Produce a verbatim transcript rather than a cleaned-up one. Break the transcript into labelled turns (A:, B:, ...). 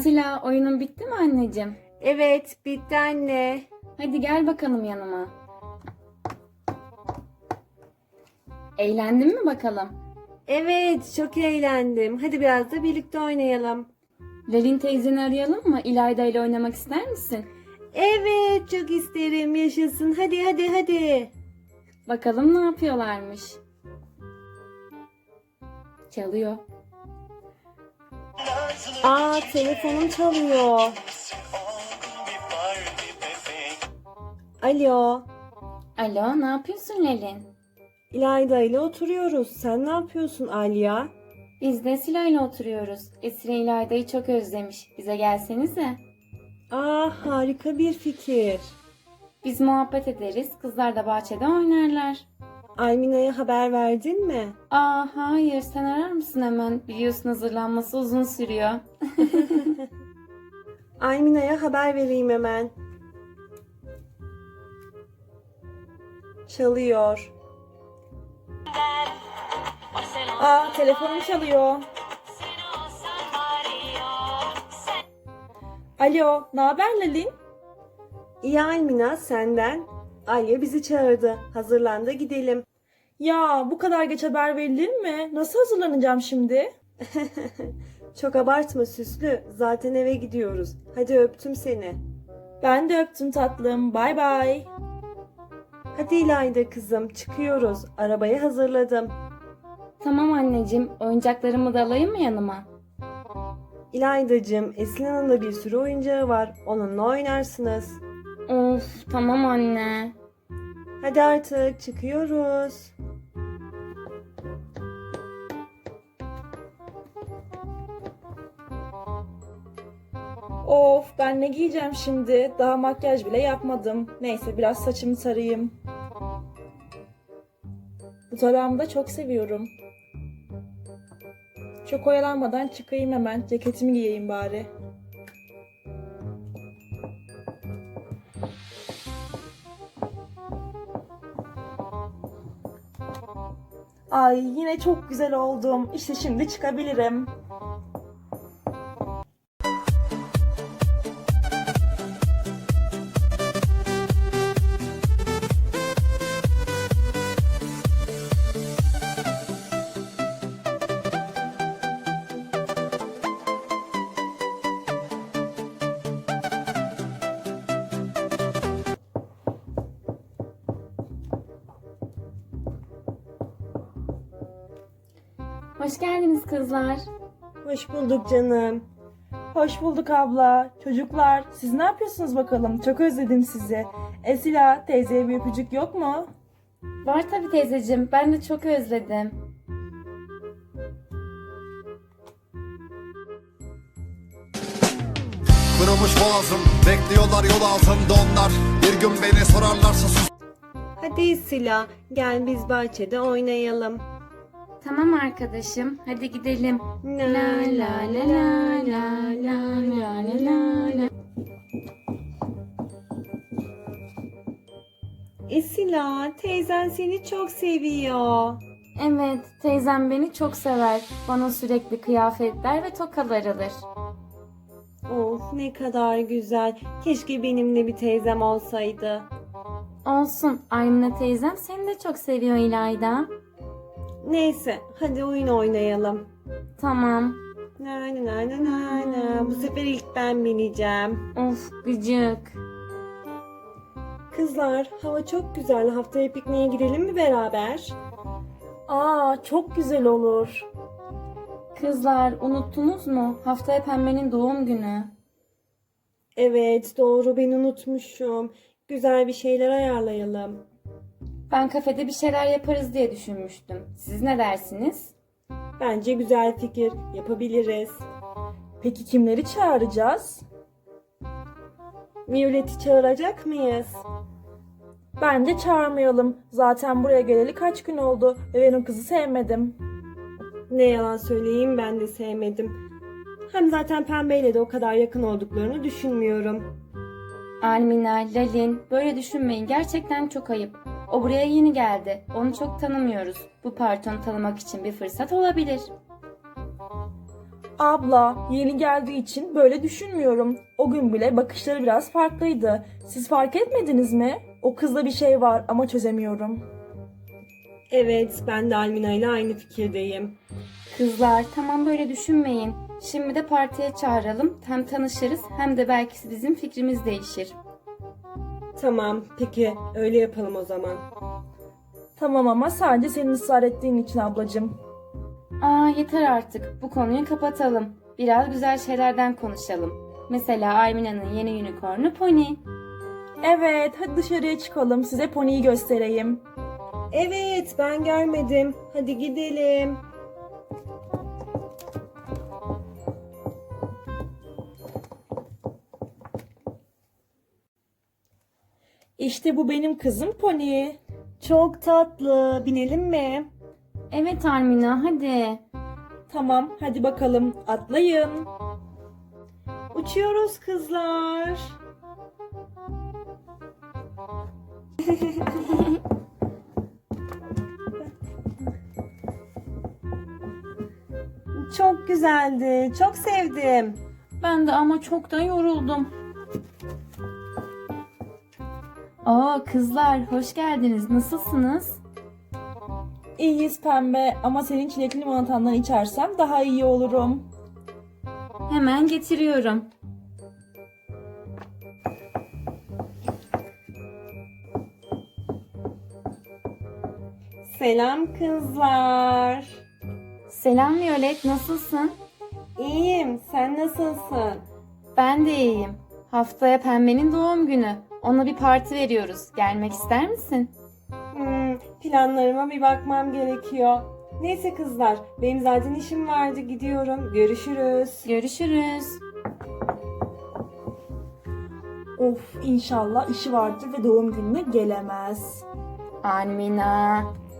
A: Esila, oyunun bitti mi anneciğim?
B: Evet, bitti anne.
A: Hadi gel bakalım yanıma. Eğlendin mi bakalım?
B: Evet, çok eğlendim. Hadi biraz da birlikte oynayalım.
A: Lelin teyzeni arayalım mı? İlayda ile oynamak ister misin?
B: Evet, çok isterim. Yaşasın. Hadi hadi hadi.
A: Bakalım ne yapıyorlarmış. Çalıyor.
B: Aa, telefonum çalıyor. Alo,
A: Alo, ne yapıyorsun Lelin?
B: İlayda ile oturuyoruz. Sen ne yapıyorsun Alya?
A: Biz de Esila ile oturuyoruz. Esila İlayda'yı çok özlemiş. Bize gelsenize.
B: Aa, harika bir fikir.
A: Biz muhabbet ederiz. Kızlar da bahçede oynarlar.
B: Almina'ya haber verdin mi?
A: Aa hayır, sen arar mısın hemen? Biliyorsun hazırlanması uzun sürüyor.
B: Almina'ya haber vereyim hemen. Çalıyor.
C: Aa, telefonum çalıyor. Alo, ne haber Lalin?
B: İyi Almina, senden. Alya bizi çağırdı. Hazırlan da gidelim.
C: Ya, bu kadar geç haber verilir mi? Nasıl hazırlanacağım şimdi?
B: Çok abartma süslü. Zaten eve gidiyoruz. Hadi öptüm seni.
C: Ben de öptüm tatlım. Bay bay.
B: Hadi İlayda kızım, çıkıyoruz. Arabayı hazırladım.
A: Tamam anneciğim, oyuncaklarımı da alayım mı yanıma?
B: İlaydacığım, Esin'in da bir sürü oyuncağı var. Onunla oynarsınız.
A: Of, tamam anne.
B: Hadi artık çıkıyoruz.
C: Of, ben ne giyeceğim şimdi? Daha makyaj bile yapmadım. Neyse, biraz saçımı tarayayım. Bu tarağımı da çok seviyorum. Çok oyalanmadan çıkayım hemen. Ceketimi giyeyim bari. Ay, yine çok güzel oldum. İşte şimdi çıkabilirim.
A: Hoş geldiniz kızlar.
B: Hoş bulduk canım.
C: Hoş bulduk abla. Çocuklar, siz ne yapıyorsunuz bakalım? Çok özledim sizi. Esila, teyzeye bir öpücük yok mu?
A: Var tabii teyzeciğim, ben de çok özledim.
D: Kırılmış boğazım, bekliyorlar yol altında onlar. Bir gün beni sorarlarsa sus.
B: Hadi Sıla, gel biz bahçede oynayalım.
A: Tamam arkadaşım, hadi gidelim.
B: La
A: La la la la la la la la la la.
B: Esila, teyzen seni çok seviyor.
A: Evet, teyzem beni çok sever. Bana sürekli kıyafetler ve tokalar alır.
B: Of, ne kadar güzel. Keşke benimle bir teyzem olsaydı.
A: Olsun, Aymine teyzem seni de çok seviyor İlayda.
B: Neyse, hadi oyun oynayalım.
A: Tamam.
B: Na na na na na na. Bu sefer ilk ben bineceğim.
A: Of gıcık.
B: Kızlar, hava çok güzel. Haftaya pikniğe gidelim mi beraber?
C: Aa, çok güzel olur.
A: Kızlar unuttunuz mu? Haftaya Pembe'nin doğum günü.
B: Evet, doğru, ben unutmuşum. Güzel bir şeyler ayarlayalım.
A: Ben kafede bir şeyler yaparız diye düşünmüştüm. Siz ne dersiniz?
B: Bence güzel fikir. Yapabiliriz.
C: Peki kimleri çağıracağız?
B: Violet'i çağıracak mıyız?
C: Bence çağırmayalım. Zaten buraya geleli kaç gün oldu ve ben o kızı sevmedim.
B: Ne yalan söyleyeyim, ben de sevmedim. Hem zaten Pembe'yle de o kadar yakın olduklarını düşünmüyorum.
A: Almina, Lalin, böyle düşünmeyin. Gerçekten çok ayıp. O buraya yeni geldi. Onu çok tanımıyoruz. Bu partonu tanımak için bir fırsat olabilir.
C: Abla, yeni geldiği için böyle düşünmüyorum. O gün bile bakışları biraz farklıydı. Siz fark etmediniz mi? O kızda bir şey var ama çözemiyorum.
B: Evet, ben de Almina ile aynı fikirdeyim.
A: Kızlar tamam böyle düşünmeyin. Şimdi de partiye çağıralım. Hem tanışırız hem de belki bizim fikrimiz değişir.
B: Tamam, peki öyle yapalım o zaman.
C: Tamam ama sadece senin ısrar ettiğin için ablacığım.
A: Aa yeter artık. Bu konuyu kapatalım. Biraz güzel şeylerden konuşalım. Mesela Aymina'nın yeni unicornu Pony.
C: Evet, hadi dışarıya çıkalım. Size poniyi göstereyim.
B: Evet, ben görmedim. Hadi gidelim.
C: İşte bu benim kızım Pony.
B: Çok tatlı. Binelim mi?
A: Evet Armina hadi.
C: Tamam, hadi bakalım. Atlayın.
B: Uçuyoruz kızlar. Çok güzeldi. Çok sevdim.
A: Ben de ama çok da yoruldum. Oo kızlar hoş geldiniz. Nasılsınız?
C: İyiyiz pembe ama senin çilekli limonatandan içersem daha iyi olurum.
A: Hemen getiriyorum.
B: Selam kızlar.
A: Selam Violet nasılsın?
B: İyiyim. Sen nasılsın?
A: Ben de iyiyim. Haftaya Pembe'nin doğum günü. Ona bir parti veriyoruz. Gelmek ister misin?
B: Hmm, planlarıma bir bakmam gerekiyor. Neyse kızlar, benim zaten işim vardı. Gidiyorum. Görüşürüz.
A: Görüşürüz.
C: Of, inşallah işi vardır ve doğum gününe gelemez.
A: Almina.